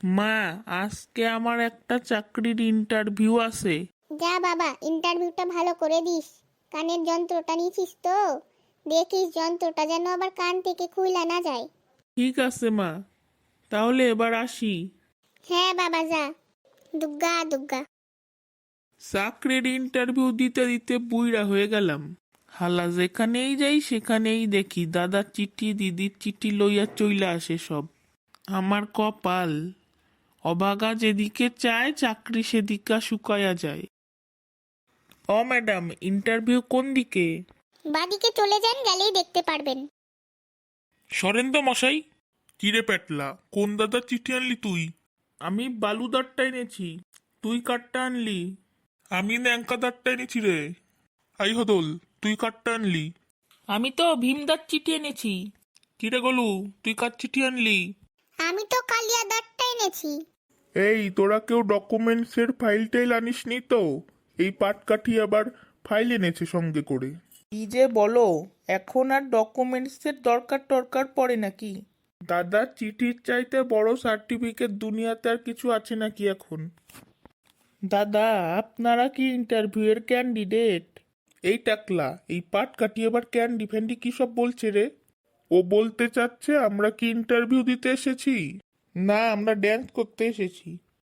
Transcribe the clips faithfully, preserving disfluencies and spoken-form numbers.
মা, আজকে আমার একটা চাকরির ইন্টারভিউ আছে। যা বাবা, ইন্টারভিউটা ভালো করে দিস। কানের যন্ত্রটা নিছিস তো? দেখিস যন্ত্রটা যেন আবার কান থেকে খুইলা না যায়। ঠিক আছে মা, তাহলে এবার আসি। হ্যাঁ বাবা, যা। দুগ্গা দুগ্গা। চাকরির ইন্টারভিউ দিতে দিতে বুইড়া হয়ে গেলাম। হালা যেখানেই যাই সেখানেই দেখি দাদার চিঠি দিদির চিঠি লইয়া চইলা আসে সব। আমার কপাল, অভাগা যেদিকে চায় চাকরি সেদিকা শুকায়া যায়। ও ম্যাডাম, ইন্টারভিউ কোন দিকে? বাদিকে চলে যান, গেলেই দেখতে পারবেন। সরেন্দ্র মশাই। কিরে পেটলা, কোন দাদার চিঠি আনলি তুই? আমি বালুদারটা এনেছি। তুই কাঠটা আনলি? আমি ন্যাংকাদারটা এনেছি রে। আই হদল, তুই কাঠটা আনলি? আমি তো ভীমদার চিঠি এনেছি। কিরে গলু, তুই কার চিঠি আনলি? আমি তো কালিয়া দাঁতটা এনেছি। এই তোরা কেউ ডকুমেন্টসের ফাইল টাইল আনিসনি তো? এই পাটকাঠি আবার ফাইল এনেছে সঙ্গে করে। কি যে বলো, এখন আর ডকুমেন্টসের দরকার টরকার পড়ে নাকি? দাদার চিঠির চাইতে বড় সার্টিফিকেট দুনিয়াতে আর কিছু আছে নাকি এখন? দাদা, আপনারা কি ইন্টারভিউয়ের ক্যান্ডিডেট? এই টাকলা, এই পাট কাটি আবার ক্যান্ডি ফ্যান্ডি কি সব বলছে রে? ও বলতে চাচ্ছে আমরা কি ইন্টারভিউ দিতে এসেছি? না, আমরা ড্যান্স করতে এসেছি।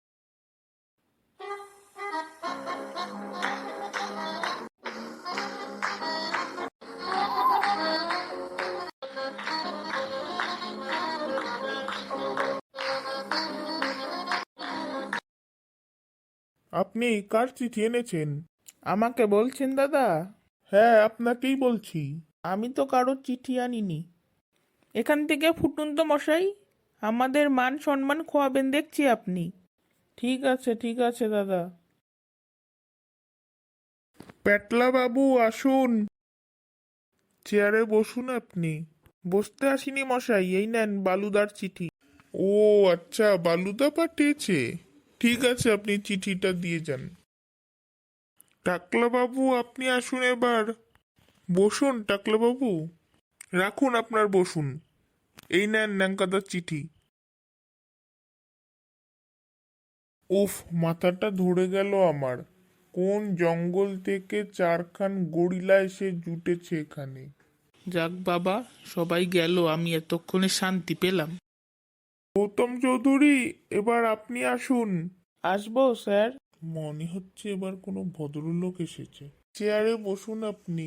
আপনি কার চিঠি এনেছেন? আমাকে বলছেন দাদা? হ্যাঁ, আপনাকেই বলছি। আমি তো কারোর চিঠি আনিনি। এখান থেকে ফুটুন তো মশাই, আমাদের মান সম্মান খোয়াবেন দেখছি আপনি। ঠিক আছে ঠিক আছে দাদা। পেটলা বাবু আসুন, চেয়ারে বসুন আপনি। বসতে আসিনি মশাই, এই নেন বালুদার চিঠি। ও আচ্ছা, বালুদা পাঠিয়েছে। ঠিক আছে, আপনি চিঠিটা দিয়ে যান। টাকলা বাবু আপনি আসুন এবার। বসুন টাকলা বাবু, রাখুন আপনার বসুন। এই নেন ন্যাংকাদার চিঠি। উফ, মাথাটা ধরে গেল আমার। কোন জঙ্গল থেকে চারখান গরিলা এসে জুটেছে এখানে। যাক বাবা, সবাই গেল, আমি এতক্ষণে শান্তি পেলাম। গৌতম চৌধুরী, এবার আপনি আসুন। আসবো স্যার। মনে হচ্ছে এবার কোনো ভদ্রলোক এসেছে। চেয়ারে বসুন আপনি।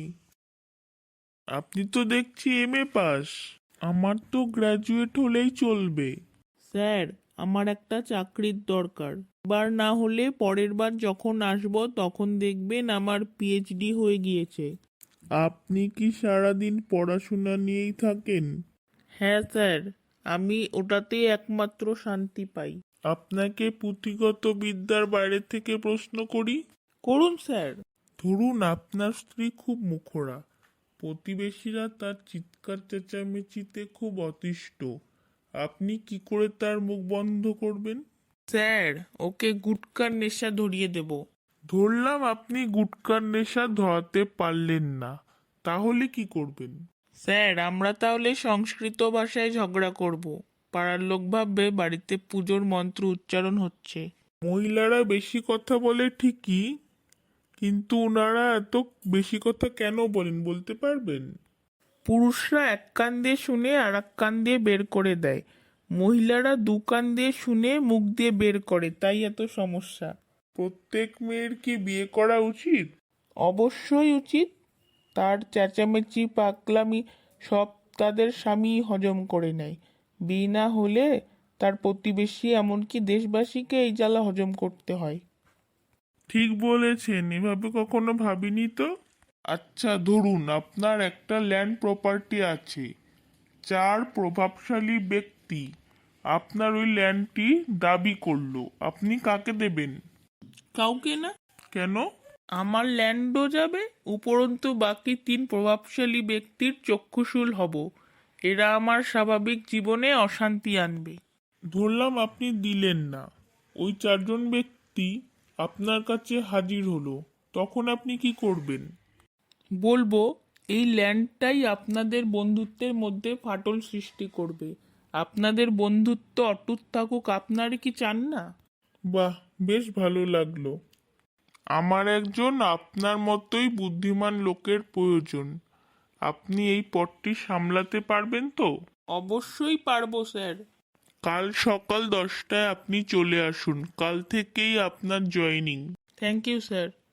আপনি তো দেখছি এম এ পাস। আমার তো গ্র্যাজুয়েট হলেই চলবে। স্যার, আমার একটা চাকরির দরকার। এবার না হলে পরের বার যখন আসবো তখন দেখবেন আমার পিএইচডি হয়ে গিয়েছে। আপনি কি সারাদিন পড়াশোনা নিয়েই থাকেন? হ্যাঁ স্যার, আমি ওটাতেই একমাত্র শান্তি পাই। আপনাকে পুঁথিগত বিদ্যার বাইরে থেকে প্রশ্ন করি? করুন স্যার। ধরুন আপনার স্ত্রী খুব মুখরা, প্রতিবেশীরা তার চিৎকার চেঁচামেচিতে খুব অতিষ্ঠ, আপনি কি করে তার মুখ বন্ধ করবেন? স্যার, ওকে গুটকার নেশা ধরিয়ে দেব। ধরলাম আপনি গুটকার নেশা ধরাতে পারলেন না, তাহলে কি করবেন? স্যার, আমরা তাহলে সংস্কৃত ভাষায় ঝগড়া করব। পাড়ার লোক ভাববে বাড়িতে পুজোর মন্ত্র উচ্চারণ হচ্ছে। মহিলারা বেশি কথা বলে ঠিকই, কিন্তু ওনারা এত বেশি কথা কেন বলেন বলতে পারবেন? পুরুষরা এক কান দিয়ে শুনে আর এক কান দিয়ে বের করে দেয়, মহিলারা দু কান দিয়ে শুনে মুখ দিয়ে বের করে, তাই এত সমস্যা। প্রত্যেক মেয়ের কি বিয়ে করা উচিত? অবশ্যই উচিত। তার চেঁচামেচি পাগলামি সব তাদের স্বামী হজম করে নেয়। বিয়ে না হলে তার প্রতিবেশী এমনকি দেশবাসীকে এই জ্বালা হজম করতে হয়। ঠিক বলেছেন, এভাবে কখনো ভাবিনি তো। আচ্ছা ধরুন আপনার একটা ল্যান্ড প্রপার্টি আছে, চার প্রভাবশালী ব্যক্তি আপনার ওই ল্যান্ডটি দাবি করলো, আপনি কাকে দেবেন? কাউকে না। কেন? আমার ল্যান্ডও যাবে, উপরন্তু বাকি তিন প্রভাবশালী ব্যক্তির চক্ষুশূল হব। এরা আমার স্বাভাবিক জীবনে অশান্তি আনবে। ধরলাম আপনি দিলেন না, ওই চারজন ব্যক্তি আপনার কাছে হাজির হলো, তখন আপনি কি করবেন? বলবো এই ল্যান্ডটাই আপনাদের বন্ধুত্বের মধ্যে ফাটল সৃষ্টি করবে, আপনাদের বন্ধুত্ব অটুট থাকুক, আপনারা কি চান না? বাহ, বেশ ভালো লাগলো। আমার একজন আপনার মতোই বুদ্ধিমান লোকের প্রয়োজন। আপনি এই পদটি সামলাতে পারবেন তো? অবশ্যই পারবো স্যার। কাল সকাল দশটায় আপনি চলে আসুন, কাল থেকেই আপনার জয়েনিং। Thank you sir.